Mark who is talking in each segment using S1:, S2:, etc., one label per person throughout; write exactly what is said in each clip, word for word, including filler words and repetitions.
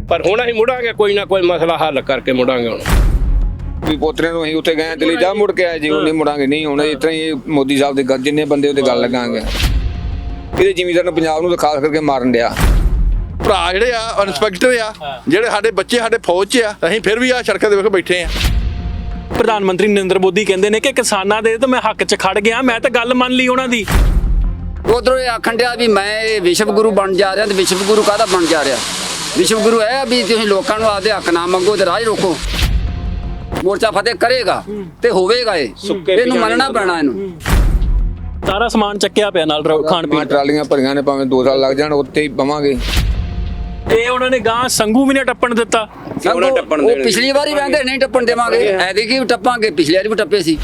S1: ਪਰ ਹੁਣ ਅਸੀਂ ਮੁੜਾਂਗੇ, ਕੋਈ ਨਾ ਕੋਈ ਮਸਲਾ ਹੱਲ ਕਰਕੇ ਮੁੜਾਂਗੇ। ਹੁਣ
S2: ਵੀ ਪੋਤਰੇ ਨੂੰ ਅਸੀਂ ਉੱਥੇ ਗਏ ਦਿੱਲੀ ਜਾ ਮੁੜ ਕੇ ਆਏ ਜੀ, ਉਹ ਨਹੀਂ ਮੁੜਾਂਗੇ, ਨਹੀਂ ਹੁਣ ਇਸ ਤਰ੍ਹਾਂ ਹੀ ਮੋਦੀ ਸਾਹਿਬ ਦੇ ਗੱਲ ਜਿੰਨੇ ਬੰਦੇ ਉਹਦੇ ਗੱਲ ਲੱਗਾਂਗੇ। ਇਹਦੇ ਜ਼ਿਮੀਂਦਾਰ ਨੂੰ ਪੰਜਾਬ ਨੂੰ ਤਾਂ ਖਾਸ ਕਰਕੇ ਮਾਰਨ ਡਿਆ।
S3: ਭਰਾ ਜਿਹੜੇ ਆ ਇੰਸਪੈਕਟਰ ਆ, ਜਿਹੜੇ ਸਾਡੇ ਬੱਚੇ ਸਾਡੇ ਫੌਜ 'ਚ ਆ, ਅਸੀਂ ਫਿਰ ਵੀ ਆ ਸੜਕਾਂ ਦੇ ਵੇਖ ਬੈਠੇ ਆ।
S4: ਪ੍ਰਧਾਨ ਮੰਤਰੀ ਨਰਿੰਦਰ ਮੋਦੀ ਕਹਿੰਦੇ ਨੇ ਕਿ ਕਿਸਾਨਾਂ ਦੇ ਤਾਂ ਮੈਂ ਹੱਕ 'ਚ ਖੜ ਗਿਆ, ਮੈਂ ਤਾਂ ਗੱਲ ਮੰਨ ਲਈ ਉਹਨਾਂ ਦੀ।
S5: ਉਧਰੋਂ ਇਹ ਆਖਣ ਡਿਆ ਵੀ ਮੈਂ ਇਹ ਵਿਸ਼ਵ ਗੁਰੂ ਬਣ ਜਾ ਰਿਹਾ, ਤੇ ਵਿਸ਼ਵ ਗੁਰੂ ਕਾਹਦਾ ਬਣ ਜਾ ਰਿਹਾ? ਵਿਸ਼ਵ ਗੁਰੂ ਇਹ ਵੀ ਤੁਸੀਂ ਲੋਕਾਂ ਨੂੰ ਆਪਦੇ ਹੱਕ ਨਾ ਮੰਗੋ ਤੇ ਰਾਜ ਰੋਕੋ। ਮੋਰਚਾ ਫਤਿਹ ਕਰੇਗਾ ਤੇ ਹੋਵੇਗਾ, ਇਹ ਇਹਨੂੰ ਮੰਨਣਾ ਪੈਣਾ। ਇਹਨੂੰ
S4: ਸਾਰਾ ਸਮਾਨ ਚੱਕਿਆ ਪਿਆ ਨਾਲ ਖਾਣ ਪੀਣ,
S2: ਟਰਾਲੀਆਂ ਭਰੀਆਂ ਨੇ, ਭਾਵੇਂ ਦੋ ਸਾਲ ਲੱਗ ਜਾਣ ਉੱਥੇ ਹੀ ਪਵਾਂਗੇ।
S4: ਤੇ ਉਹਨਾਂ ਨੇ ਗਾਂ ਸੰਗੂ ਵੀ ਨੇ ਟੱਪਣ ਦਿੱਤਾ।
S5: ਉਹ ਪਿਛਲੀ ਵਾਰੀ ਕਹਿੰਦੇ ਨਹੀਂ ਟੱਪਣ ਦੇਵਾਂਗੇ, ਐਤਕੀ ਵੀ ਟੱਪਾਂਗੇ, ਪਿਛਲੀ ਵਾਰੀ ਵੀ ਟੱਪੇ ਸੀ।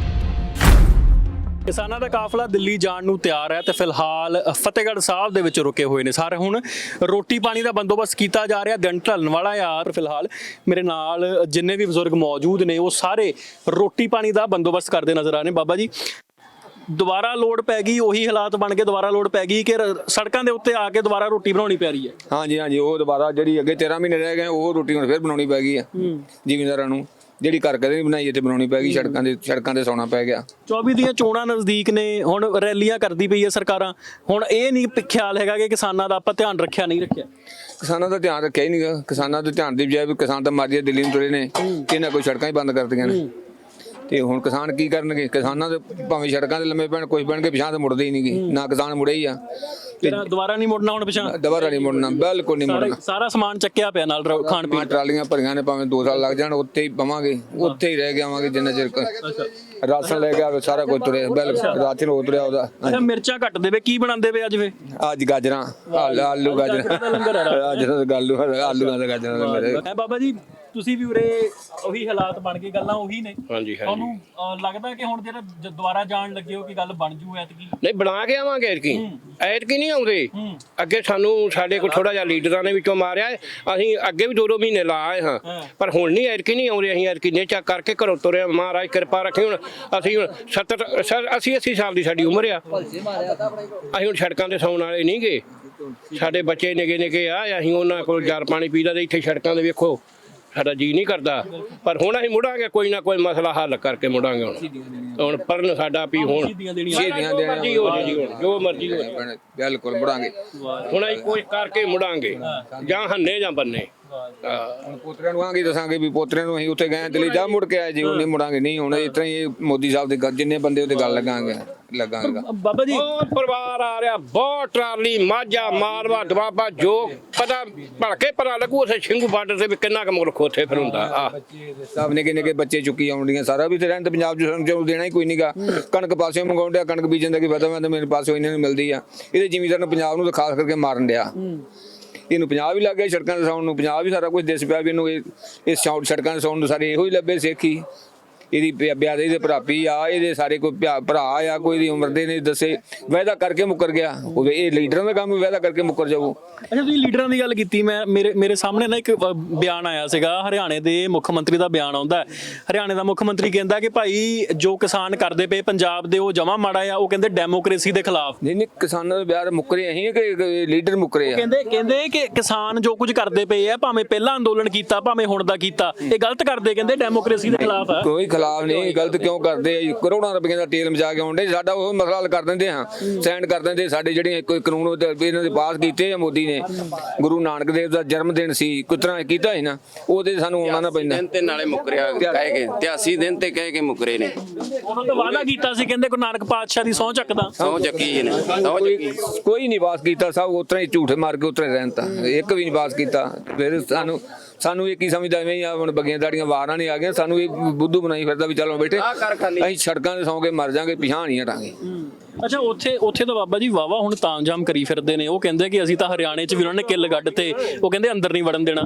S4: ਕਿਸਾਨਾਂ ਦਾ ਕਾਫਲਾ ਦਿੱਲੀ ਜਾਣ ਨੂੰ ਤਿਆਰ ਹੈ ਤੇ ਫਿਲਹਾਲ ਫਤਿਹਗੜ੍ਹ ਸਾਹਿਬ ਦੇ ਵਿੱਚ ਰੁਕੇ ਹੋਏ ਨੇ ਸਾਰੇ। ਹੁਣ ਰੋਟੀ ਪਾਣੀ ਦਾ ਬੰਦੋਬਸਤ ਕੀਤਾ ਜਾ ਰਿਹਾ, ਦਿਨ ਢਲਣ ਵਾਲਾ ਯਾਰ। ਫਿਲਹਾਲ ਮੇਰੇ ਨਾਲ ਜਿੰਨੇ ਵੀ ਬਜ਼ੁਰਗ ਮੌਜੂਦ ਨੇ ਉਹ ਸਾਰੇ ਰੋਟੀ ਪਾਣੀ ਦਾ ਬੰਦੋਬਸਤ ਕਰਦੇ ਨਜ਼ਰ ਆ ਰਹੇ ਨੇ। ਬਾਬਾ ਜੀ, ਦੁਬਾਰਾ ਲੋੜ ਪੈ ਗਈ, ਉਹੀ ਹਾਲਾਤ ਬਣ ਕੇ ਦੁਬਾਰਾ ਲੋੜ ਪੈ ਗਈ ਕਿ ਸੜਕਾਂ ਦੇ ਉੱਤੇ ਆ ਕੇ ਦੁਬਾਰਾ ਰੋਟੀ ਬਣਾਉਣੀ ਪੈ ਰਹੀ ਹੈ?
S2: ਹਾਂਜੀ ਹਾਂਜੀ, ਉਹ ਦੁਬਾਰਾ ਜਿਹੜੀ ਅੱਗੇ ਤੇਰਾਂ ਮਹੀਨੇ ਰਹਿ ਗਏ ਉਹ ਰੋਟੀ ਹੁਣ ਫਿਰ ਬਣਾਉਣੀ ਪੈ ਗਈ ਆ ਜ਼ਿਮੀਂਦਾਰਾਂ ਨੂੰ, ਜਿਹੜੀ ਘਰ ਕਦੇ ਨਹੀਂ ਬਣਾਈ ਇੱਥੇ ਬਣਾਉਣੀ ਪੈ ਗਈ। ਸੜਕਾਂ ਦੇ ਸੜਕਾਂ ਤੇ ਸੌਣਾ ਪੈ ਗਿਆ।
S4: ਚੌਵੀ ਦੀਆਂ ਚੋਣਾਂ ਨਜ਼ਦੀਕ ਨੇ, ਹੁਣ ਰੈਲੀਆਂ ਕਰਦੀ ਪਈ ਹੈ ਸਰਕਾਰਾਂ। ਹੁਣ ਇਹ ਨਹੀਂ ਖਿਆਲ ਹੈਗਾ ਕਿ ਕਿਸਾਨਾਂ ਦਾ ਆਪਾਂ ਧਿਆਨ ਰੱਖਿਆ ਨਹੀਂ ਰੱਖਿਆ?
S2: ਕਿਸਾਨਾਂ ਦਾ ਧਿਆਨ ਰੱਖਿਆ ਹੀ ਨਹੀਂਗਾ। ਕਿਸਾਨਾਂ ਦੇ ਧਿਆਨ ਦੀ ਬਜਾਏ ਵੀ ਕਿਸਾਨ ਤਾਂ ਮਾਰੀਏ ਦਿੱਲੀ ਨੂੰ ਤੁਰੇ ਨੇ, ਇਹਨਾਂ ਕੋਈ ਸੜਕਾਂ ਹੀ ਬੰਦ ਕਰਦੀਆਂ ਨੇ। ਤੇ ਹੁਣ ਕਿਸਾਨ ਕੀ ਕਰਨਗੇ? ਕਿਸਾਨਾਂ ਦੇ ਭਾਵੇਂ ਸੜਕਾਂ ਦੇ ਲੰਮੇ ਪੈਣ, ਕੁਝ ਪੈਣਗੇ, ਪਿਛਾਂ ਤੇ ਮੁੜਦੇ ਹੀ ਨਹੀਂਗੇ। ਨਾ ਕਿਸਾਨ ਮੁੜੇ ਹੀ ਆ।
S4: ਦੁਬਾਰਾ ਨਹੀਂ ਮੁੜਨਾ ਹੁਣ ਪਿਛਾਂ?
S2: ਦੁਬਾਰਾ ਨਹੀਂ ਮੁੜਨਾ, ਬਿਲਕੁਲ ਨਹੀਂ ਮੁੜਨਾ।
S4: ਸਾਰਾ ਸਮਾਨ ਚੱਕਿਆ ਪਿਆ ਨਾਲ ਖਾਣ ਪੀਣ,
S2: ਟਰਾਲੀਆਂ ਭਰੀਆਂ ਨੇ, ਭਾਵੇਂ ਦੋ ਸਾਲ ਲੱਗ ਜਾਣ ਉੱਥੇ ਹੀ ਪਵਾਂਗੇ, ਉੱਥੇ ਹੀ ਰਹਿ ਕੇ ਆਵਾਂਗੇ ਜਿੰਨਾ ਚਿਰ ਰਾਸ਼ਨ ਲੈ ਕੇ ਆਵੇ। ਸਾਰਾ ਕੁਝ ਤੁਰਿਆ, ਬਿਲਕੁਲ ਰਾਸ਼ਨ ਹੋ ਤੁਰਿਆ ਉਹਦਾ।
S4: ਅੱਛਾ, ਮਿਰਚਾਂ ਘੱਟ ਦੇਵੇ, ਕੀ ਬਣਾਉਂਦੇ ਵੇ ਅੱਜ? ਵੇ
S2: ਅੱਜ ਗਾਜਰਾਂ, ਆਲੂ ਗਾਜਰਾਂ, ਅੱਜ ਆਲੂ ਆਲੂਆਂ ਦਾ ਗਾਜਰਾਂ ਦਾ ਲੰਗਰ ਹੈ।
S4: ਬਾਬਾ ਜੀ, ਤੁਸੀਂ ਵੀ ਉਰੇ ਉਹੀ ਹਾਲਾਤ ਬਣ ਗਏ, ਗੱਲਾਂ ਉਹੀ ਨੇ।
S1: ਹਾਂਜੀ
S4: ਤੁਹਾਨੂੰ ਲੱਗਦਾ ਕਿ ਹੁਣ ਜਿਹੜਾ ਦੁਬਾਰਾ ਜਾਣ ਲੱਗੇ ਹੋ ਕਿ ਗੱਲ ਬਣ ਜੂ ਐਤਕੀ?
S1: ਨਹੀਂ, ਬਣਾ ਕੇ ਆਵਾਂਗੇ। ਐਤਕੀ ਐਤਕੀ ਨਹੀਂ ਆਉਂਦੇ। ਅੱਗੇ ਸਾਨੂੰ ਸਾਡੇ ਕੋਲ ਥੋੜਾ ਜਿਹਾ ਲੀਡਰਾਂ ਨੇ ਵਿੱਚੋਂ ਮਾਰਿਆ, ਅਸੀਂ ਅੱਗੇ ਵੀ ਦੋ ਦੋ ਮਹੀਨੇ ਲਾ ਆਏ ਹਾਂ, ਪਰ ਹੁਣ ਨਹੀਂ ਐਤਕੀ ਨਹੀਂ ਆਉਂਦੇ। ਅਸੀਂ ਐਤਕੀ ਨੇਚਾ ਕਰਕੇ ਘਰੋਂ ਤੁਰੇ, ਮਹਾਰਾਜ ਕਿਰਪਾ ਰੱਖੇ। ਹੁਣ ਅਸੀਂ ਹੁਣ ਸੱਤਰ ਅੱਸੀ ਅੱਸੀ ਸਾਲ ਦੀ ਸਾਡੀ ਉਮਰ ਆ, ਅਸੀਂ ਹੁਣ ਸੜਕਾਂ ਤੇ ਸੌਣ ਵਾਲੇ ਨਹੀਂ ਗੇ। ਸਾਡੇ ਬੱਚੇ ਨਿੱਕੇ ਨਿੱਕੇ ਆ, ਅਸੀਂ ਉਹਨਾਂ ਕੋਲ ਜਲ ਪਾਣੀ ਪੀਦਾ ਤੇ ਇੱਥੇ ਸੜਕਾਂ ਦੇ ਵੇਖੋ ਸਾਡਾ ਜੀ ਨਹੀਂ ਕਰਦਾ। ਪਰ ਹੁਣ ਅਸੀਂ ਮੁੜਾਂਗੇ, ਕੋਈ ਨਾ ਕੋਈ ਮਸਲਾ ਹੱਲ ਕਰਕੇ ਮੁੜਾਂਗੇ। ਹੁਣ ਹੁਣ ਪਰਨ ਸਾਡਾ ਵੀ ਹੁਣ
S2: ਸ਼ਹੀਦੀਆਂ ਦੇਣੀਆਂ,
S1: ਜੋ ਮਰਜ਼ੀ ਹੋ ਜਾਏ,
S2: ਬਿਲਕੁਲ ਮੁੜਾਂਗੇ।
S1: ਹੁਣ ਅਸੀਂ ਕੋਈ ਕਰਕੇ ਮੁੜਾਂਗੇ, ਜਾਂ ਹੰਨੇ ਜਾਂ ਬੰਨੇ।
S2: ਹੁਣ ਪੋਤਰਿਆਂ ਨੂੰ ਆਂਗੇ ਦੱਸਾਂਗੇ ਵੀ ਪੋਤਰਿਆਂ ਨੂੰ ਅਸੀਂ ਉੱਥੇ ਗਏ ਦਿੱਲੀ ਜਾ ਮੁੜ ਕੇ ਆਏ ਜੀ, ਉਹ ਨਹੀਂ ਮੁੜਾਂਗੇ, ਨਹੀਂ ਹੁਣ ਇਸ ਤਰ੍ਹਾਂ ਹੀ ਮੋਦੀ ਸਾਹਿਬ ਦੇ ਗੱਲ ਜਿੰਨੇ ਬੰਦੇ ਉਹਦੇ ਗੱਲ ਲੱਗਾਂਗੇ ਲੱਗਾਂਗੇ।
S4: ਬਾਬਾ ਜੀ,
S1: ਬਹੁਤ ਪਰਿਵਾਰ ਆ ਰਿਹਾ, ਬਹੁਤ ਟਰਾਲੀ, ਮਾਝਾ, ਮਾਲਵਾ, ਦੁਆਬਾ, ਜੋ ਪਤਾ ਭਲਕੇ ਪਤਾ ਲੱਗੂ ਉੱਥੇ ਸਿੰਘੂ ਬਾਰਡਰ ਤੇ ਵੀ ਕਿੰਨਾ ਕੁ ਮੁਲਕ ਉੱਥੇ ਫਿਰ ਹੁੰਦਾ। ਆ
S2: ਸਭ ਨਿੱਕੇ ਨਿੱਕੇ ਬੱਚੇ ਚੁੱਕੀ ਆਉਂਦੀਆਂ, ਸਾਰਾ ਵੀ ਤੇ ਰਹਿਣ ਤੇ ਪੰਜਾਬ ਚ ਸਾਨੂੰ ਦੇਣਾ ਹੀ ਕੋਈ ਨਹੀਂਗਾ। ਕਣਕ ਪਾਸਿਓਂ ਮੰਗਾਉਣ ਡਿਆ, ਕਣਕ ਬੀਜਣ ਦਾ ਕੀ ਪਤਾ, ਮੈਂ ਤਾਂ ਮੇਰੇ ਪਾਸਿਓਂ ਇਹਨਾਂ ਨੂੰ ਮਿਲਦੀ ਆ। ਇਹਦੇ ਜ਼ਿਮੀਂਦਾਰ ਨੂੰ ਪੰਜਾਬ ਨੂੰ ਤਾਂ ਖਾਸ ਕਰਕੇ ਮਾਰਨ ਡਿਆ। ਇਹਨੂੰ ਪੰਜਾਬ ਵੀ ਲੱਗ ਗਿਆ ਸੜਕਾਂ ਤੇ ਸੌਣ ਨੂੰ, ਪੰਜਾਬ ਵੀ ਸਾਰਾ ਕੁਝ ਦਿਸ ਪਿਆ ਵੀ ਇਹਨੂੰ ਇਹ ਸੜਕਾਂ ਤੇ ਸੌਣ ਨੂੰ ਸਾਰੇ ਇਹੋ ਹੀ ਲੱਭੇ ਸਿੱਖੀ। ਇਹਦੀ ਬਿਆਦੇ ਦੇ ਭਰਾਪੀ ਆ, ਇਹਦੇ ਸਾਰੇ ਕੋਈ ਭਰਾ ਆ, ਕੋਈ ਦੀ ਉਮਰ ਦੇ ਨੇ ਦੱਸੇ, ਵਾਅਦਾ ਕਰਕੇ ਮੁੱਕਰ ਗਿਆ। ਉਹ ਇਹ ਲੀਡਰਾਂ ਦਾ ਕੰਮ, ਵਾਅਦਾ ਕਰਕੇ ਮੁੱਕਰ ਜਾਊ।
S4: ਅੱਛਾ, ਤੁਸੀਂ ਲੀਡਰਾਂ ਦੀ ਗੱਲ ਕੀਤੀ, ਮੈਂ ਮੇਰੇ ਮੇਰੇ ਸਾਹਮਣੇ ਨਾ ਇੱਕ ਬਿਆਨ ਆਇਆ ਸੀਗਾ, ਹਰਿਆਣੇ ਦੇ ਮੁੱਖ ਮੰਤਰੀ ਦਾ ਬਿਆਨ ਆਉਂਦਾ। ਹਰਿਆਣੇ ਦਾ ਮੁੱਖ ਮੰਤਰੀ ਕਹਿੰਦਾ ਕਿ ਭਾਈ ਜੋ ਕਿਸਾਨ ਕਰਦੇ ਪਏ ਪੰਜਾਬ ਦੇ ਉਹ ਜਮਾ ਮਾੜਾ ਆ। ਉਹ ਕਹਿੰਦੇ ਡੈਮੋਕ੍ਰੇਸੀ ਦੇ ਖਿਲਾਫ।
S2: ਨਹੀਂ ਨਹੀਂ, ਕਿਸਾਨਾਂ ਦੇ ਬਿਆਰ ਮੁੱਕਰੇ ਅਸੀਂ ਕਿ ਲੀਡਰ ਮੁੱਕਰੇ ਆ?
S4: ਕਹਿੰਦੇ ਕਹਿੰਦੇ ਕਿ ਕਿਸਾਨ ਜੋ ਕੁਝ ਕਰਦੇ ਪਏ ਆ, ਭਾਵੇਂ ਪਹਿਲਾਂ ਅੰਦੋਲਨ ਕੀਤਾ ਭਾਵੇਂ ਹੁਣ ਦਾ ਕੀਤਾ, ਇਹ ਗਲਤ ਕਰਦੇ। ਕਹਿੰਦੇ ਡੈਮੋਕ੍ਰੇਸੀ ਦੇ ਖਿਲਾਫ ਆ।
S2: ਕੋਈ ਖਿਲਾਫ ਨਹੀਂ, ਗਲਤ ਕਿਉਂ ਕਰਦੇ ਆ? ਕਰੋੜਾਂ ਰੁਪਏ ਦਾ ਤੇਲ ਮਚਾ ਕੇ ਆਉਂਦੇ, ਸਾਡਾ ਉਹ ਮਸਲਾ ਹੱਲ ਕਰ ਦਿੰਦੇ ਹਾਂ, ਸੈਂਡ ਕਰ ਦਿੰਦੇ। ਸਾਡੇ ਜਿਹੜੇ ਕੋਈ ਕਾਨੂੰਨ ਇਹਨਾਂ ਦੇ ਪਾਸ ਕੀਤੇ ਆ ਮੋਦੀ ਨੇ, ਗੁਰੂ ਨਾਨਕ ਦੇਵ ਦਾ ਜਨਮ ਦਿਨ ਸੀ, ਕਿਸ ਤਰ੍ਹਾਂ ਕੀਤਾ ਸੀ ਨਾ, ਉਹਦੇ ਸਾਨੂੰ ਆਉਣਾ ਨਾ ਪੈਂਦਾ।
S6: ਦਿਨ ਤੇ ਨਾਲੇ ਮੁਕਰਿਆ ਕਹਿ ਕੇ ਤਿਆਸੀ ਦਿਨ ਤੇ ਕਹਿ ਕੇ ਮੁਕਰੇ ਨੇ।
S4: ਉਹਨਾਂ ਤੋਂ ਵਾਅਦਾ ਕੀਤਾ ਸੀ, ਕਹਿੰਦੇ ਗੁਰੂ ਨਾਨਕ ਪਾਤਸ਼ਾਹ ਦੀ ਸਹੁੰ ਚੱਕਦਾ।
S6: ਸਹੁੰ ਚੱਕੀ ਨੇ, ਸਹੁੰ ਚੱਕੀ।
S2: ਕੋਈ ਨਹੀਂ ਪਾਸ ਕੀਤਾ, ਸਭ ਉਤਰਾ ਹੀ ਝੂਠੇ ਮਾਰ ਕੇ ਉਤਰੇ ਰਹਿਣ, ਤਾਂ ਇੱਕ ਵੀ ਨਹੀਂ ਪਾਸ ਕੀਤਾ। ਫਿਰ ਸਾਨੂੰ ਸਾਨੂੰ ਇਹ ਕੀ ਸਮਝਦਾ, ਐਵੇਂ ਹੀ ਆ ਹੁਣ ਬੱਗੀਆਂ ਦਾੜੀਆਂ ਵਾਰਾਂ ਨਹੀਂ ਆ ਗਈਆਂ, ਸਾਨੂੰ ਇਹ ਬੁੱਧੂ ਬਣਾਈ ਫਿਰਦਾ ਵੀ ਚਲੋ ਬੇਟੇ ਅਸੀਂ ਸੜਕਾਂ ਤੇ ਸੌਂ ਕੇ ਮਰ ਜਾਾਂਗੇ, ਪਿਛਾਂ ਨਹੀਂ ਹਟਾਂਗੇ।
S4: ਅੱਛਾ, ਉੱਥੇ ਉੱਥੇ ਤਾਂ ਬਾਬਾ ਜੀ ਵਾਵਾ ਹੁਣ ਤਾਮਝਾਮ ਕਰੀ ਫਿਰਦੇ ਨੇ। ਉਹ ਕਹਿੰਦੇ ਕਿ ਅਸੀਂ ਤਾਂ ਹਰਿਆਣੇ 'ਚ ਵੀ ਉਹਨਾਂ ਨੇ ਕਿੱਲ ਗੱਡ ਤੇ, ਉਹ ਕਹਿੰਦੇ ਅੰਦਰ ਨਹੀਂ ਵੜਨ ਦੇਣਾ।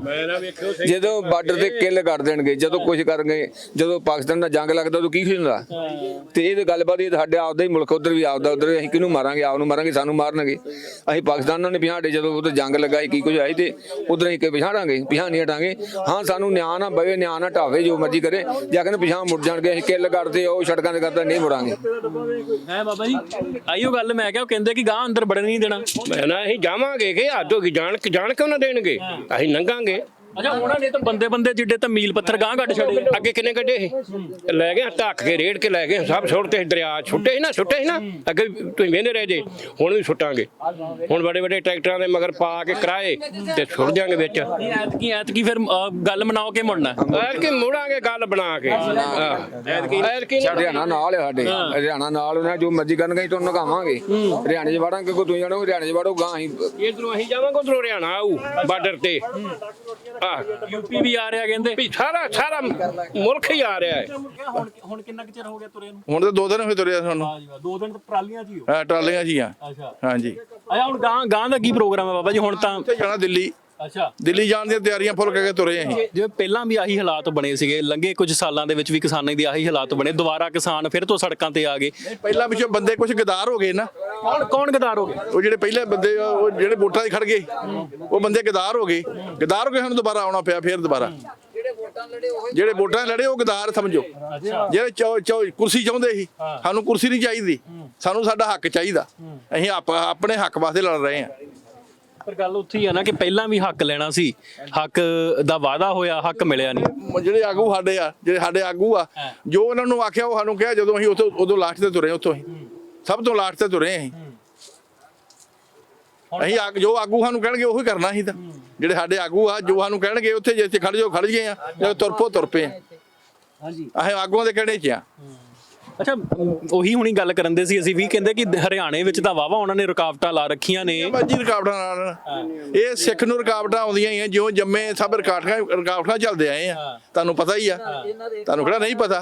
S2: ਜਦੋਂ ਬਾਰਡਰ ਤੇ ਕਿੱਲ ਕੱਢ ਦੇਣਗੇ, ਜਦੋਂ ਕੁਝ ਕਰਨਗੇ, ਜਦੋਂ ਪਾਕਿਸਤਾਨ ਦਾ ਜੰਗ ਲੱਗਦਾ ਉਦੋਂ ਕੀ ਹੁੰਦਾ? ਤੇ ਇਹ ਗੱਲਬਾਤ, ਇਹ ਸਾਡੇ ਆਪਦਾ ਹੀ ਮੁਲਕ, ਉਧਰ ਵੀ ਆਪਦਾ, ਉਧਰ ਅਸੀਂ ਕਿਹਨੂੰ ਮਾਰਾਂਗੇ? ਆਪ ਨੂੰ ਮਾਰਾਂਗੇ, ਸਾਨੂੰ ਮਾਰਨਗੇ। ਅਸੀਂ ਪਾਕਿਸਤਾਨ ਨਾਲ ਨਹੀਂ ਪਿਛਾੜੇ, ਜਦੋਂ ਉਧਰ ਜੰਗ ਲੱਗਾ ਕੀ ਕੁਝ ਆਈ ਤੇ ਉਧਰ ਅਸੀਂ ਪਿਛਾੜਾਂਗੇ, ਪਿਛਾਂ ਨਹੀਂ ਹਟਾਂਗੇ। ਹਾਂ, ਸਾਨੂੰ ਨਿਆਂ ਨਾ ਬਵੇ, ਨਿਆਂ ਨਾ ਢਾਵੇ, ਜੋ ਮਰਜ਼ੀ ਕਰੇ, ਜਾਂ ਕਹਿੰਦੇ ਪਿਛਾਂ ਮੁੜ ਜਾਣਗੇ। ਅਸੀਂ ਕਿੱਲ ਕੱਢਦੇ ਉਹ ਸੜਕਾਂ ਤੇ ਕਰਦਾ, ਨਹੀਂ ਮੁੜਾਂਗੇ।
S4: ਹੈ ਬਾਬਾ ਜੀ, ਆਈਓ ਗੱਲ ਮੈਂ ਕਿਹਾ ਉਹ ਕਹਿੰਦੇ ਕਿ ਗਾਂ ਅੰਦਰ ਵੜਨ ਨਹੀਂ ਦੇਣਾ।
S1: ਮੈਂ ਨਾ ਅਸੀਂ ਜਾਵਾਂਗੇ ਕਿ ਹੱਦ ਹੋ ਗਈ, ਜਾਣ ਜਾਣ ਕਿਉਂ ਨਾ ਦੇਣਗੇ, ਅਸੀਂ ਲੰਘਾਂਗੇ।
S4: ਅੱਛਾ ਉਹਨਾਂ ਨੇ ਤਾਂ ਬੰਦੇ ਬੰਦੇ ਜਿੱਡੇ ਤਾਂ ਮੀਲ ਪੱਥਰ ਗਾਂ ਕੱਢ ਛੱਡੇ।
S1: ਅੱਗੇ ਕਿੰਨੇ ਕੱਢੇ ਸੀ, ਲੈ ਗਏ ਢੱਕ ਕੇ ਰੇੜ ਕੇ ਲੈ ਗਏ, ਸਭ ਸੁੱਟਦੇ ਸੀ ਦਰਿਆ, ਛੁੱਟੇ ਸੀ ਨਾ ਛੁੱਟੇ ਸੀ ਨਾ ਅੱਗੇ ਤੁਸੀਂ ਵੇਂਦੇ ਰਹੇ ਜੇ, ਹੁਣ ਵੀ ਸੁੱਟਾਂਗੇ। ਹੁਣ ਵੱਡੇ ਵੱਡੇ ਟਰੈਕਟਰਾਂ ਦੇ ਮਗਰ ਪਾ ਕੇ ਕਿਰਾਏ ਤੇ ਸੁੱਟ ਦਿਆਂਗੇ ਵਿੱਚ।
S4: ਐਤਕੀ ਐਤਕੀ ਫਿਰ ਅਹ, ਗੱਲ ਮਨਾਓ ਕੇ ਮੁੜਨਾ।
S1: ਐਤਕੀ ਮੁੜਾਂਗੇ ਗੱਲ ਬਣਾ ਕੇ। ਐਤਕੀ ਐਤਕੀ
S2: ਹਰਿਆਣਾ ਨਾਲ ਹੈ ਸਾਡੇ, ਹਰਿਆਣਾ ਨਾਲ ਉਹਨਾਂ ਜੋ ਮਰਜ਼ੀ ਕਰਨਗੇ ਅਸੀਂ ਤੁਹਾਨੂੰ ਨਗਾਵਾਂਗੇ। ਹਰਿਆਣੇ 'ਚ ਵੜਾਂਗੇ, ਕੋਈ ਤੁਸੀਂ ਜਾਣੋ ਹਰਿਆਣੇ 'ਚ ਵੜੋ ਗਾਂ ਅਸੀਂ
S1: ਇਧਰੋਂ ਅਸੀਂ ਜਾਵਾਂਗੇ, ਉਧਰੋਂ ਹਰਿਆਣਾ ਆਊ ਬਾਰਡਰ ਤੇ। ਆਹ
S4: ਯੂਪੀ ਵੀ ਆ ਰਿਹਾ ਕਹਿੰਦੇ।
S1: ਵੀ ਸਾਰਾ ਸਾਰਾ ਮੁਲਕ ਹੀ ਆ ਰਿਹਾ ਹੈ।
S4: ਹੁਣ ਹੁਣ ਕਿੰਨਾ ਕੁ ਚਿਰ ਹੋ ਗਿਆ ਤੁਰੇ ਨੂੰ?
S3: ਹੁਣ ਤਾਂ ਦੋ ਦਿਨ ਹੋਏ ਤੁਰਿਆ ਸਾਨੂੰ।
S4: ਹਾਂ ਜੀ ਦੋ ਦਿਨ ਟਰਾਲੀਆਂ 'ਚ ਹੀ ਹੋ।
S3: ਹਾਂ ਟਰਾਲੀਆਂ 'ਚ ਹੀ ਆ।
S4: ਅੱਛਾ
S3: ਹਾਂਜੀ
S4: ਅੱਛਾ ਹੁਣ ਗਾਂ ਗਾਂ ਦਾ ਕੀ ਪ੍ਰੋਗਰਾਮ ਹੈ ਬਾਬਾ ਜੀ ਹੁਣ ਤਾਂ?
S3: ਉੱਥੇ ਜਾਣਾ ਦਿੱਲੀ,
S4: ਅੱਛਾ
S3: ਦਿੱਲੀ ਜਾਣ ਦੀਆਂ ਤਿਆਰੀਆਂ ਫੁੱਲ ਕਰਕੇ ਤੁਰੇ ਅਸੀਂ।
S4: ਜਿਵੇਂ ਪਹਿਲਾਂ ਵੀ ਆਹੀ ਹਾਲਾਤ ਬਣੇ ਸੀਗੇ, ਲੰਘੇ ਕੁਝ ਸਾਲਾਂ ਦੇ ਵਿੱਚ ਵੀ ਕਿਸਾਨਾਂ ਦੀ ਆਹੀ ਹਾਲਾਤ ਬਣੇ, ਦੁਬਾਰਾ ਕਿਸਾਨ ਫਿਰ ਤੋਂ ਸੜਕਾਂ ਤੇ ਆ ਗਏ।
S3: ਪਹਿਲਾਂ ਪਿੱਛੋਂ ਬੰਦੇ ਕੁਝ ਗਦਾਰ ਹੋ ਗਏ ਨਾ,
S4: ਕੌਣ ਕੌਣ ਗਦਾਰ ਹੋ ਗਏ?
S3: ਉਹ ਜਿਹੜੇ ਪਹਿਲੇ ਬੰਦੇ ਆ, ਉਹ ਜਿਹੜੇ ਵੋਟਾਂ 'ਤੇ ਖੜ ਗਏ, ਉਹ ਬੰਦੇ ਗਦਾਰ ਹੋ ਗਏ। ਗਦਾਰ ਹੋ ਗਏ, ਸਾਨੂੰ ਦੁਬਾਰਾ ਆਉਣਾ ਪਿਆ ਫੇਰ ਦੁਬਾਰਾ। ਜਿਹੜੇ ਵੋਟਾਂ ਲੜੇ ਉਹ ਗਦਾਰ ਸਮਝੋ। ਜਿਹੜੇ ਚੌ- ਚੌ- ਕੁਰਸੀ ਚਾਹੁੰਦੇ ਸੀ, ਸਾਨੂੰ ਕੁਰਸੀ ਨਹੀਂ ਚਾਹੀਦੀ, ਸਾਨੂੰ ਸਾਡਾ ਹੱਕ ਚਾਹੀਦਾ। ਅਸੀਂ ਆਪ- ਆਪਣੇ ਹੱਕ ਵਾਸਤੇ ਲੜ ਰਹੇ ਹਾਂ।
S4: ਪਰ ਗੱਲ ਉੱਥੇ ਹੀ ਆ ਨਾ ਕਿ ਪਹਿਲਾਂ ਵੀ ਹੱਕ ਲੈਣਾ ਸੀ, ਹੱਕ ਦਾ ਵਾਅਦਾ ਹੋਇਆ, ਹੱਕ ਮਿਲਿਆ ਨਹੀਂ।
S3: ਜਿਹੜੇ ਆਗੂ ਸਾਡੇ ਆ, ਜਿਹੜੇ ਸਾਡੇ ਆਗੂ ਆ, ਜੋ ਉਹਨਾਂ ਨੂੰ ਆਖਿਆ ਉਹ ਸਾਨੂੰ ਕਿਹਾ। ਜਦੋਂ ਅਸੀਂ ਉੱਥੋਂ ਉਦੋਂ ਲਾਸਟ ਤੇ ਤੁਰੇ, ਉੱਥੋਂ ਅਸੀਂ ਸਭ ਤੋਂ ਲਾਸਟ ਤੇ ਤੁਰੇ ਅਸੀਂ। ਅਸੀਂ ਆਗ ਜੋ ਆਗੂ ਸਾਨੂੰ ਕਹਿਣਗੇ ਉਹੀ ਕਰਨਾ ਸੀ। ਤਾਂ ਜਿਹੜੇ ਸਾਡੇ ਆਗੂ ਆ, ਜੋ ਸਾਨੂੰ ਕਹਿਣਗੇ ਉੱਥੇ ਜਿੱਥੇ ਖੜ ਜਾਓ ਖੜ ਗਏ ਆ, ਜਦੋਂ ਤੁਰਪੋ ਤੁਰ ਪਏ ਆ।
S4: ਹਾਂਜੀ
S3: ਅਸੀਂ ਆਗੂਆਂ ਦੇ ਕਿਹੜੇ 'ਚ ਆ।
S4: ਅੱਛਾ ਉਹੀ ਹੁਣੀ ਗੱਲ ਕਰਨ ਦੇ ਸੀ ਅਸੀਂ ਵੀ, ਕਹਿੰਦੇ ਕਿ ਹਰਿਆਣੇ ਵਿੱਚ ਤਾਂ ਵਾਵਾ ਉਹਨਾਂ ਨੇ ਰੁਕਾਵਟਾਂ ਲਾ ਰੱਖੀਆਂ ਨੇ।
S3: ਬਾਜੀ ਰੁਕਾਵਟਾਂ ਨਾਲ ਇਹ ਸਿੱਖ ਨੂੰ ਰੁਕਾਵਟਾਂ ਆਉਂਦੀਆਂ ਹੀ ਆ, ਜਿਉਂ ਜੰਮੇ ਸਭ ਰੁਕਾਵਟਾਂ ਰੁਕਾਵਟਾਂ ਚੱਲਦੇ ਆਏ ਆ। ਤੁਹਾਨੂੰ ਪਤਾ ਹੀ ਆ, ਤੁਹਾਨੂੰ ਕਿਹੜਾ ਨਹੀਂ ਪਤਾ।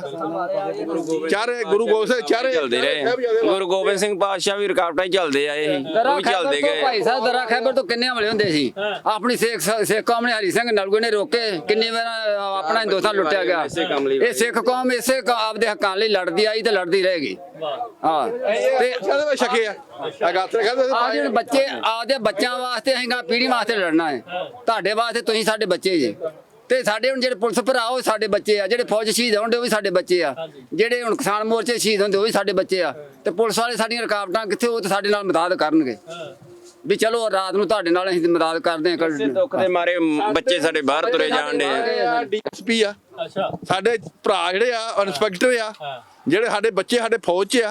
S3: ਚਾਰੇ ਗੁਰੂ ਗੋਬਿੰਦ ਸਿੰਘ ਚਾਰੇ
S6: ਚੱਲਦੇ ਰਹੇ। ਗੁਰੂ ਗੋਬਿੰਦ ਸਿੰਘ ਪਾਤਸ਼ਾਹ ਵੀ ਰੁਕਾਵਟਾਂ ਹੀ ਚੱਲਦੇ ਆਏ ਸੀ, ਉਹ
S5: ਦਰਾ
S6: ਵੀ
S5: ਖੈਬਰ
S6: ਚੱਲਦੇ
S5: ਤੋਂ
S6: ਗਏ।
S5: ਭਾਈ ਸਾਹਿਬ ਦਰਾ ਖੈਬਰ ਤੋਂ ਕਿੰਨੇ ਹਮਲੇ ਹੁੰਦੇ ਸੀ। ਆਪਣੀ ਸਿੱਖ ਸਿੱਖ ਕੌਮ ਨੇ ਹਰੀ ਸਿੰਘ ਨਲੂਏ ਨੇ ਰੋਕੇ, ਕਿੰਨੀ ਵਾਰ ਆਪਣਾ ਹਿੰਦੁਸਤਾਨ ਲੁੱਟਿਆ ਗਿਆ। ਇਹ ਸਿੱਖ ਕੌਮ ਇਸੇ ਕ- ਆਪਦੇ ਹੱਕਾਂ ਲਈ ਲੜਦੀ ਆਈ ਤੇ ਲੜਦੀ ਰਹੇਗੀ। ਹਾਂ ਤੇ
S3: ਇਹਦੇ ਵਿੱਚ ਛਕੇ ਆ ਆ ਗਾਤਰੇ ਕਹਿੰਦੇ
S5: ਆ ਜਿਹੜੇ ਬੱਚੇ ਆਪਦੇ ਬੱਚਿਆਂ ਵਾਸਤੇ ਅਸੀਂ ਗਾ ਪੀੜ੍ਹੀ ਵਾਸਤੇ ਲੜਨਾ ਹੈ। ਤੁਹਾਡੇ ਵਾਸਤੇ ਤੁਸੀਂ ਸਾਡੇ ਬੱਚੇ ਜੀ, ਤੇ ਸਾਡੇ ਹੁਣ ਜਿਹੜੇ ਪੁਲਿਸ ਭਰਾ ਉਹ ਸਾਡੇ ਬੱਚੇ ਆ, ਜਿਹੜੇ ਫੌਜ ਸ਼ਹੀਦ ਹੁੰਦੇ ਉਹ ਵੀ ਸਾਡੇ ਬੱਚੇ ਆ, ਜਿਹੜੇ ਹੁਣ ਕਿਸਾਨ ਮੋਰਚੇ ਸ਼ਹੀਦ ਹੁੰਦੇ ਉਹ ਵੀ ਸਾਡੇ ਬੱਚੇ ਆ। ਤੇ ਪੁਲਿਸ ਵਾਲੇ ਸਾਡੀਆਂ ਰੁਕਾਵਟਾਂ ਕਿੱਥੇ, ਉਹ ਤੇ ਸਾਡੇ ਨਾਲ ਮਦਦ ਕਰਨਗੇ ਵੀ ਚਲੋ ਰਾਤ ਨੂੰ ਤੁਹਾਡੇ ਨਾਲ ਅਸੀਂ ਮਦਦ ਕਰਦੇ ਹਾਂ।
S6: ਇਸੇ ਦੁੱਖ ਦੇ ਮਾਰੇ ਬੱਚੇ ਸਾਡੇ ਬਾਹਰ ਤੁਰੇ ਜਾਣ ਡੇ।
S3: ਡੀਐਸਪੀ ਆ
S4: ਅੱਛਾ
S3: ਸਾਡੇ ਭਰਾ, ਜਿਹੜੇ ਆ ਇੰਸਪੈਕਟਰ ਆ, ਜਿਹੜੇ ਸਾਡੇ ਬੱਚੇ ਸਾਡੇ ਫੌਜ 'ਚ ਆ,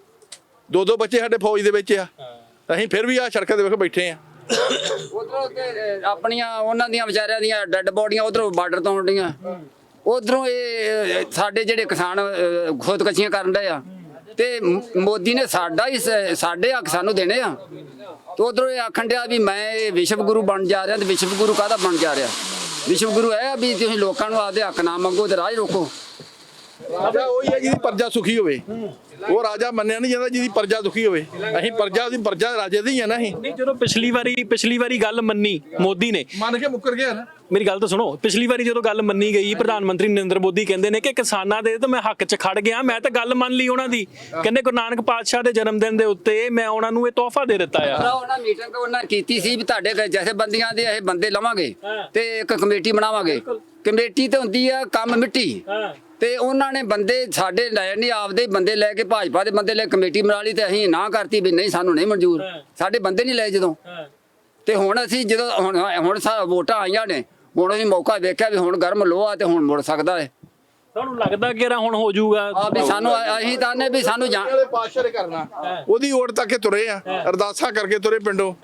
S3: ਦੋ ਦੋ ਬੱਚੇ ਸਾਡੇ ਫੌਜ ਦੇ ਵਿੱਚ ਆ। ਅਸੀਂ ਫਿਰ ਵੀ ਆ ਸੜਕਾਂ ਦੇ ਵੇਖ ਬੈਠੇ ਆ।
S5: ਉਧਰੋਂ ਆਪਣੀਆਂ ਉਹਨਾਂ ਦੀਆਂ ਵਿਚਾਰਿਆਂ ਦੀਆਂ ਡੈੱਡ ਬੋਡੀਆਂ ਉਧਰੋਂ ਬਾਰਡਰ ਤੋਂ ਆਉਂਦੀਆਂ, ਉਧਰੋਂ ਇਹ ਸਾਡੇ ਜਿਹੜੇ ਕਿਸਾਨ ਅਹ, ਖੁਦਕਸ਼ੀਆਂ ਕਰਨ ਡਏ ਆ। ਤੇ ਮ- ਮੋਦੀ ਨੇ ਸਾਡਾ ਹੀ ਸ- ਸਾਡੇ ਹੱਕ ਸਾਨੂੰ ਦੇਣੇ ਆ। ਤੇ ਉਧਰੋਂ ਇਹ ਆਖਣ ਡਿਆ ਵੀ ਮੈਂ ਇਹ ਵਿਸ਼ਵ ਗੁਰੂ ਬਣ ਜਾ ਰਿਹਾ। ਤੇ ਵਿਸ਼ਵ ਗੁਰੂ ਕਾਹਦਾ ਬਣ ਜਾ ਰਿਹਾ? ਵਿਸ਼ਵ ਗੁਰੂ ਇਹ ਆ ਵੀ ਤੁਸੀਂ ਲੋਕਾਂ ਨੂੰ ਆਪਦੇ ਹੱਕ ਨਾ ਮੰਗੋ ਤੇ ਰਾਜ ਰੋਕੋ।
S3: ਰਾਜਾ ਉਹੀ ਹੈ ਜਿਹਦੀ ਪ੍ਰਜਾ ਸੁਖੀ ਹੋਵੇ। ਉਹ ਰਾਜਾ ਮੰਨਿਆ ਨਹੀਂ ਜਾਂਦਾ ਜਿਹਦੀ ਪ੍ਰਜਾ ਦੁਖੀ ਹੋਵੇ। ਅਸੀਂ ਪ੍ਰਜਾ ਦੀ ਪ੍ਰਜਾ ਰਾਜੇ ਦੀ ਆ ਨਾ। ਅਸੀਂ
S4: ਨਹੀਂ ਜਦੋਂ ਪਿਛਲੀ ਵਾਰੀ ਪਿਛਲੀ ਵਾਰੀ ਗੱਲ ਮੰਨੀ ਮੋਦੀ ਨੇ,
S3: ਮੰਨ ਕੇ ਮੁੱਕਰ ਗਿਆ ਨਾ।
S4: ਮੇਰੀ ਗੱਲ ਤਾਂ ਸੁਣੋ, ਪਿਛਲੀ ਵਾਰੀ ਜਦੋਂ ਗੱਲ ਮੰਨੀ ਗਈ ਪ੍ਰਧਾਨ ਮੰਤਰੀ ਨਰਿੰਦਰ ਮੋਦੀ ਕਹਿੰਦੇ ਨੇ ਕਿ ਕਿਸਾਨਾਂ ਦੇ ਤਾਂ ਮੈਂ ਹੱਕ 'ਚ ਖੜ ਗਿਆ, ਮੈਂ ਤਾਂ ਗੱਲ ਮੰਨ ਲਈ ਉਹਨਾਂ ਦੀ। ਕਹਿੰਦੇ ਗੁਰੂ ਨਾਨਕ ਪਾਤਸ਼ਾਹ ਦੇ ਜਨਮ ਦਿਨ ਦੇ ਉੱਤੇ ਮੈਂ ਉਹਨਾਂ ਨੂੰ ਇਹ ਤੋਹਫਾ ਦੇ ਦਿੱਤਾ ਆ।
S5: ਉਹਨਾਂ ਮੀਟਿੰਗ ਉਹਨਾਂ ਕੀਤੀ ਸੀ ਵੀ ਤੁਹਾਡੇ ਜੈਸੇ ਬੰਦੀਆਂ ਦੇ ਇਹ ਬੰਦੇ ਲਵਾਂਗੇ ਤੇ ਇੱਕ ਕਮੇਟੀ ਬਣਾਵਾਂਗੇ। ਕਮੇਟੀ ਤੇ ਹੁੰਦੀ ਆ ਕੰਮ ਮਿੱਟੀ, ਤੇ ਉਹਨਾਂ ਨੇ ਬੰਦੇ ਸਾਡੇ ਲੈ ਨਹੀਂ, ਆਪਦੇ ਬੰਦੇ ਲੈ ਕੇ ਭਾਜਪਾ ਦੇ ਬੰਦੇ ਲੈ ਕਮੇਟੀ ਬਣਾ ਲਈ ਤੇ ਅਸੀਂ ਨਾ ਕਰਤੀ ਵੀ ਨਹੀਂ ਸਾਨੂੰ ਨਹੀਂ ਮਨਜ਼ੂਰ। ਸਾਡੇ ਬੰਦੇ ਨਹੀਂ ਲਏ ਜਦੋਂ। ਤੇ ਹੁਣ ਅਸੀਂ ਜਦੋਂ ਹੁਣ ਹੁਣ ਸਾ ਵੋਟਾਂ ਆਈਆਂ ਨੇ, ਹੁਣ ਅਸੀਂ ਮੌਕਾ ਵੇਖਿਆ ਵੀ ਹੁਣ ਗਰਮ ਲੋਹਾ ਤੇ ਹੁਣ ਮੁੜ ਸਕਦਾ ਹੈ।
S4: ਤੁਹਾਨੂੰ ਲੱਗਦਾ ਕਿ ਹੁਣ ਹੋ ਜਾਊਗਾ?
S5: ਆ ਵੀ ਸਾਨੂੰ ਅਸੀਂ ਤਾਂ ਨੇ ਵੀ ਸਾਨੂੰ ਜਾਣ
S3: ਜਿਹੜੇ ਪਾਤਸ਼ਾਹ ਨੇ ਕਰਨਾ, ਉਹਦੀ ਓਟ ਤੱਕ ਕੇ ਤੁਰੇ ਆ, ਅਰਦਾਸਾਂ ਕਰਕੇ ਤੁਰੇ ਪਿੰਡੋਂ।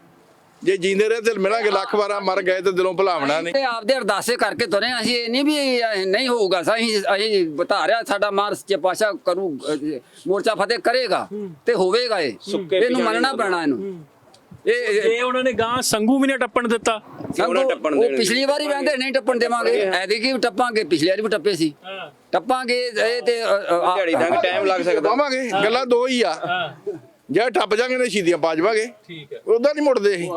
S3: ਜੇ ਜੀਂਦੇ ਰਹੇ ਤੇ ਮਿਲਾਂਗੇ, ਲੱਖ ਵਾਰਾਂ ਮਰ ਗਏ ਤੇ ਦਿਲੋਂ ਭੁਲਾਵਣਾ ਨਹੀਂ।
S5: ਤੇ ਆਪਦੇ ਅਰਦਾਸੇ ਕਰਕੇ ਤੁਰੇ ਹਾਂ। ਅਸੀਂ ਇਹ ਨਹੀਂ ਵੀ ਇਹ ਨਹੀਂ ਹੋਊਗਾ, ਅਸੀਂ ਅਸੀਂ ਬਤਾ ਰਿਹਾ ਸਾਡਾ ਮਾਰ ਸੱਚੇ ਪਾਤਸ਼ਾਹ ਕਰੂ, ਅਹ, ਮੋਰਚਾ ਫਤਿਹ ਕਰੇਗਾ ਤੇ ਹੋਵੇਗਾ। ਇਹ ਇਹਨੂੰ ਮੰਨਣਾ ਪੈਣਾ। ਇਹਨੂੰ ਇਹ
S4: ਜੇ ਉਹਨਾਂ ਨੇ ਗਾਂ ਸੰਗੂ ਵੀ ਨੇ ਟੱਪਣ ਦਿੱਤਾ।
S5: ਸੰਗੋ
S6: ਟੱਪਣ
S5: ਉਹ
S6: ਦੇਣਗੇ।
S5: ਪਿਛਲੀ ਵਾਰੀ ਕਹਿੰਦੇ ਨਹੀਂ ਟੱਪਣ ਦੇਵਾਂਗੇ, ਐਤਕੀ ਵੀ ਟੱਪਾਂਗੇ, ਪਿਛਲੀ ਵਾਰੀ ਵੀ ਟੱਪੇ ਸੀ, ਟੱਪਾਂਗੇ। ਇਹ ਤੇ ਅ, ਅ, ਆ-
S6: ਦਿਹਾੜੀ ਤੱਕ ਟਾਈਮ ਲੱਗ ਸਕਦਾ।
S3: ਪਾਵਾਂਗੇ, ਗੱਲਾਂ ਦੋ ਹੀ ਆ। ਜੇ ਟੱਪ ਜਾਗੇ ਨੇ ਸ਼ਹੀਦੀਆਂ ਪਾ ਜਾਵਾਂਗੇ,
S4: ਠੀਕ ਹੈ,
S3: ਉਦਾਂ ਨਹੀਂ ਮੁੜਦੇ ਅਸੀਂ।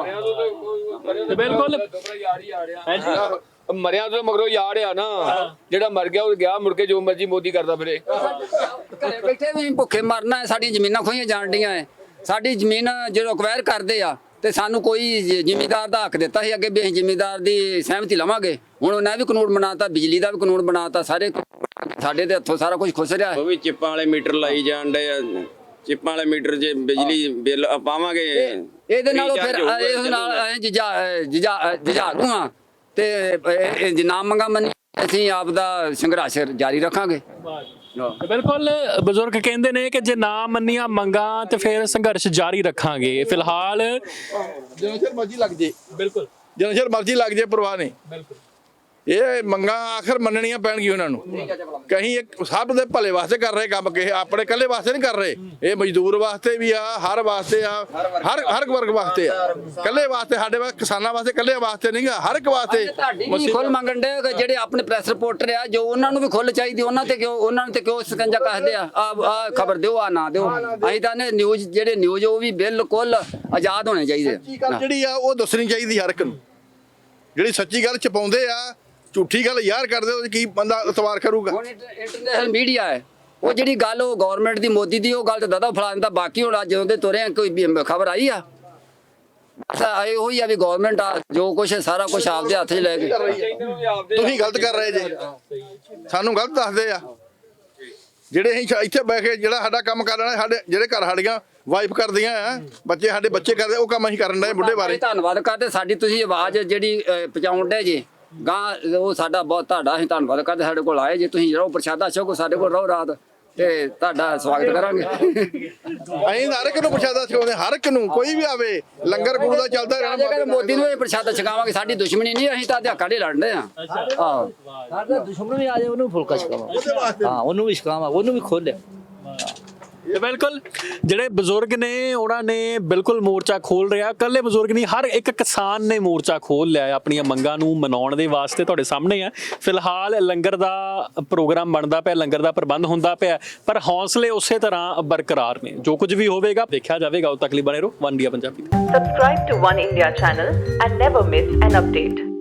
S4: ਤੇ ਬਿਲਕੁਲ
S2: ਮਰਿਆ ਤੋਂ ਮਗਰੋਂ ਯਾਰ ਆ ਨਾ, ਜਿਹੜਾ ਮਰ ਗਿਆ ਉਹ ਗਿਆ, ਮੁੜ ਕੇ ਜੋ ਮਰਜ਼ੀ ਮੋਦੀ ਕਰਦਾ ਫਿਰੇ।
S5: ਘਰੇ ਬੈਠੇ ਵੀ ਭੁੱਖੇ ਮਰਨਾ ਹੈ। ਸਾਡੀਆਂ ਜ਼ਮੀਨਾਂ ਖੋਈਆਂ ਜਾਣ ਡੀਆਂ ਹੈ। ਸਾਡੀ ਜ਼ਮੀਨ ਜਦੋਂ ਅਕਵਾਇਰ ਕਰਦੇ ਆ ਤੇ ਸਾਨੂੰ ਕੋਈ ਜ਼- ਜ਼ਿਮੀਂਦਾਰ ਦਾ ਹੱਕ ਦਿੱਤਾ ਸੀ ਅੱਗੇ ਵੀ ਅਸੀਂ ਜ਼ਿਮੀਂਦਾਰ ਦੀ ਸਹਿਮਤੀ ਲਵਾਂਗੇ। ਹੁਣ ਉਹਨਾਂ ਵੀ ਕਾਨੂੰਨ ਬਣਾਤਾ, ਬਿਜਲੀ ਦਾ ਵੀ ਕਾਨੂੰਨ ਬਣਾਤਾ, ਸਾਰੇ ਸਾਡੇ ਦੇ ਹੱਥੋਂ ਸਾਰਾ ਕੁਝ ਖੁੱਸ ਰਿਹਾ ਹੈ।
S6: ਉਹ ਵੀ ਚਿੱਪਾਂ ਵਾਲੇ ਮੀਟਰ ਲਾਈ ਜਾਣ ਡੇ ਆ। ਚਿੱਪਾਂ ਵਾਲੇ ਮੀਟਰ ਜੇ ਬਿਜਲੀ ਬਿੱਲ ਪਾਵਾਂਗੇ
S5: ਇਹਦੇ ਨਾਲੋਂ ਫਿਰ
S6: recharge ਹੋਊਗਾ,
S5: ਇਸ ਨਾਲ
S6: ਚੱਲੂਗਾ।
S5: ਅਸੀਂ ਜਿਜਾ ਜਿਜਾ ਜਿਜਾ ਦੂੰਗਾ ਤੇ ਇਹ- ਇਹ ਨਾ ਮੰਗਾ ਮੰਨੀ ਅਸੀਂ ਆਪ ਦਾ ਸੰਘਰਸ਼ ਜਾਰੀ ਰੱਖਾਂਗੇ।
S4: ਤੇ ਬਿਲਕੁਲ ਬਜ਼ੁਰਗ ਕਹਿੰਦੇ ਨੇ ਕਿ ਜੇ ਨਾ ਮੰਨੀਆਂ ਮੰਗਾਂ ਤੇ ਫਿਰ ਸੰਘਰਸ਼ ਜਾਰੀ ਰੱਖਾਂਗੇ। ਫਿਲਹਾਲ
S3: ਜਿੰਨਾ ਚਿਰ ਮਰਜ਼ੀ ਲੱਗ ਜੇ,
S4: ਬਿਲਕੁਲ
S3: ਜਿੰਨਾ ਚਿਰ ਮਰਜ਼ੀ ਲੱਗ ਜੇ, ਪਰਵਾਹ ਨਹੀਂ।
S4: ਬਿਲਕੁਲ
S3: ਇਹ ਮੰਗਾਂ ਆਖਰ ਮੰਨਣੀਆਂ ਪੈਣਗੀਆਂ ਉਹਨਾਂ ਨੂੰ। ਕਹੀਂ ਇੱਕ ਸਭ ਦੇ ਭਲੇ ਵਾਸਤੇ ਕਰ ਰਹੇ ਕੰਮ, ਕਿਸੇ ਆਪਣੇ ਇਕੱਲੇ ਵਾਸਤੇ ਨਹੀਂ ਕਰ ਰਹੇ। ਇਹ ਮਜ਼ਦੂਰ ਵਾਸਤੇ ਵੀ ਆ, ਹਰ ਵਾਸਤੇ ਆ, ਹਰ ਹਰ ਵਰਗ ਵਾਸਤੇ ਆ। ਇਕੱਲੇ ਵਾਸਤੇ ਸਾਡੇ ਵਾਸਤੇ, ਕਿਸਾਨਾਂ ਵਾਸਤੇ ਇਕੱਲੇ ਵਾਸਤੇ ਨਹੀਂ ਗਾ, ਹਰ ਇੱਕ ਵਾਸਤੇ।
S5: ਤੁਹਾਡੀ ਵੀ ਖੁੱਲ ਮੰਗਣ ਦੇ ਜਿਹੜੇ ਆਪਣੇ ਪ੍ਰੈਸ ਰਿਪੋਰਟਰ ਆ, ਜੋ ਉਹਨਾਂ ਨੂੰ ਵੀ ਖੁੱਲ ਚਾਹੀਦੀ, ਉਹਨਾਂ ਤੇ ਕਿਉਂ ਉਹਨਾਂ ਤੇ ਕਿਉਂ ਸਕੰਜਾ ਕੱਸਦੇ ਆ? ਆ ਆ ਖਬਰ ਦਿਓ, ਆ ਨਾ ਦਿਓ। ਅਸੀਂ ਤਾਂ ਨੇ ਨਿਊਜ਼ ਜਿਹੜੇ ਨਿਊਜ਼ ਉਹ ਵੀ ਬਿਲਕੁਲ ਆਜ਼ਾਦ ਹੋਣੇ ਚਾਹੀਦੇ
S3: ਸੱਚੀ ਗੱਲ ਜਿਹੜੀ ਆ ਉਹ ਦੱਸਣੀ ਚਾਹੀਦੀ ਹਰ ਇੱਕ ਨੂੰ। ਜਿਹੜੀ ਸੱਚੀ ਗੱਲ ਛਪਾਉਂਦੇ ਆ, ਝੂਠੀ ਗੱਲ ਯਾਰ ਕਰਦੇ, ਉਹ ਕੀ ਬੰਦਾ ਇਤਬਾਰ ਕਰੂਗਾ?
S5: ਹੁਣ ਇੰਟਰਨੈਸ਼ਨਲ ਮੀਡੀਆ ਹੈ, ਉਹ ਜਿਹੜੀ ਗੱਲ ਉਹ ਗਵਰਨਮੈਂਟ ਦੀ, ਮੋਦੀ ਦੀ, ਉਹ ਗੱਲ ਤੇ ਦਾਦਾ ਫਲਾ ਦਿੰਦਾ। ਬਾਕੀ ਹੁਣ ਅੱਜ ਜਦੋਂ ਦੇ ਤੁਰੇ ਆ, ਕੋਈ ਖਬਰ ਆਈ ਆ? ਬਸ ਆਏ ਹੋਈ ਆ ਵੀ ਗਵਰਨਮੈਂਟ ਆ ਜੋ ਕੁਛ ਹੈ ਸਾਰਾ ਕੁਝ ਆਪਦੇ ਹੱਥ 'ਚ ਲੈ ਕੇ।
S3: ਤੁਸੀਂ ਗਲਤ ਕਰ ਰਹੇ ਜੇ, ਸਾਨੂੰ ਗਲਤ ਦੱਸਦੇ ਆ। ਜਿਹੜੇ ਅਸੀਂ ਇੱਥੇ ਬਹਿ ਕੇ ਜਿਹੜਾ ਸਾਡਾ ਕੰਮ ਕਰ ਲੈਣਾ, ਸਾਡੇ ਜਿਹੜੇ ਘਰ ਸਾਡੀਆਂ ਵਾਈਫ ਕਰਦੀਆਂ ਆ, ਬੱਚੇ ਸਾਡੇ ਬੱਚੇ ਕਰਦੇ, ਉਹ ਕੰਮ ਅਸੀਂ ਕਰਨ ਡਏ ਬੁੱਢੇ ਬਾਰੇ।
S5: ਧੰਨਵਾਦ ਕਰਦੇ, ਸਾਡੀ ਤੁਸੀਂ ਆਵਾਜ਼ ਜਿਹੜੀ ਅਹ, ਪਹੁੰਚਾਉਣ ਦੇ ਜੇ ਗਾਂ, ਉਹ ਸਾਡਾ ਬਹੁਤ ਤੁਹਾਡਾ ਅਸੀਂ ਧੰਨਵਾਦ ਕਰਦੇ। ਸਾਡੇ ਕੋਲ ਆਏ ਜੇ, ਤੁਸੀਂ ਰਹੋ ਪ੍ਰਸ਼ਾਦਾ ਛਕੋ, ਸਾਡੇ ਕੋਲ ਰਹੋ ਰਾਤ, ਤੇ ਤੁਹਾਡਾ ਸਵਾਗਤ ਕਰਾਂਗੇ।
S3: ਅਸੀਂ ਹਰ ਇੱਕ ਨੂੰ ਪ੍ਰਸ਼ਾਦਾ ਛਕਾਉਂਦੇ, ਹਰ ਇੱਕ ਨੂੰ, ਕੋਈ ਵੀ ਆਵੇ, ਲੰਗਰ ਗੁਰੂ ਦਾ ਚੱਲਦਾ
S5: ਜੇ ਕਹਿੰਦੇ
S3: ਰਹਿਣਾ।
S5: ਮੋਦੀ ਨੂੰ ਇਹ ਪ੍ਰਸ਼ਾਦਾ ਛਕਾਵਾਂਗੇ, ਸਾਡੀ ਦੁਸ਼ਮਣੀ ਨਹੀਂ, ਅਸੀਂ ਤਾਂ ਅਧਿਆਕਾਂ ਦੇ ਲੜਦੇ ਆ। ਆਹੋ
S7: ਸਾਡਾ ਦੁਸ਼ਮਣ ਵੀ ਆ ਜਾਏ ਉਹਨੂੰ ਫੁਲਕਾ ਛਕਾਵਾਂ। ਹਾਂ ਉਹਨੂੰ ਵੀ ਛਕਾਵਾਂ, ਉਹਨੂੰ ਵੀ ਖੋਲਿਆ।
S4: ਤੇ ਬਿਲਕੁਲ ਜਿਹੜੇ ਬਜ਼ੁਰਗ ਨੇ ਉਹਨਾਂ ਨੇ ਬਿਲਕੁਲ ਮੋਰਚਾ ਖੋਲ ਰਿਹਾ। ਇਕੱਲੇ ਬਜ਼ੁਰਗ ਨਹੀਂ, ਹਰ ਇੱਕ ਕਿਸਾਨ ਨੇ ਮੋਰਚਾ ਖੋਲ ਲਿਆ ਹੈ ਆਪਣੀਆਂ ਮੰਗਾਂ ਨੂੰ ਮਨਾਉਣ ਦੇ ਵਾਸਤੇ। ਤੁਹਾਡੇ ਸਾਹਮਣੇ ਆ ਫਿਲਹਾਲ ਲੰਗਰ ਦਾ ਪ੍ਰੋਗਰਾਮ ਬਣਦਾ ਪਿਆ, ਲੰਗਰ ਦਾ ਪ੍ਰਬੰਧ ਹੁੰਦਾ ਪਿਆ, ਪਰ ਹੌਸਲੇ ਉਸੇ ਤਰ੍ਹਾਂ ਬਰਕਰਾਰ ਨੇ। ਜੋ ਕੁਝ ਵੀ ਹੋਵੇਗਾ ਦੇਖਿਆ ਜਾਵੇਗਾ। ਉਦੋਂ ਤੱਕ ਲਈ ਬਣੇ ਰਹੋ One India Punjabi.
S8: Subscribe to One India channel and never miss an update.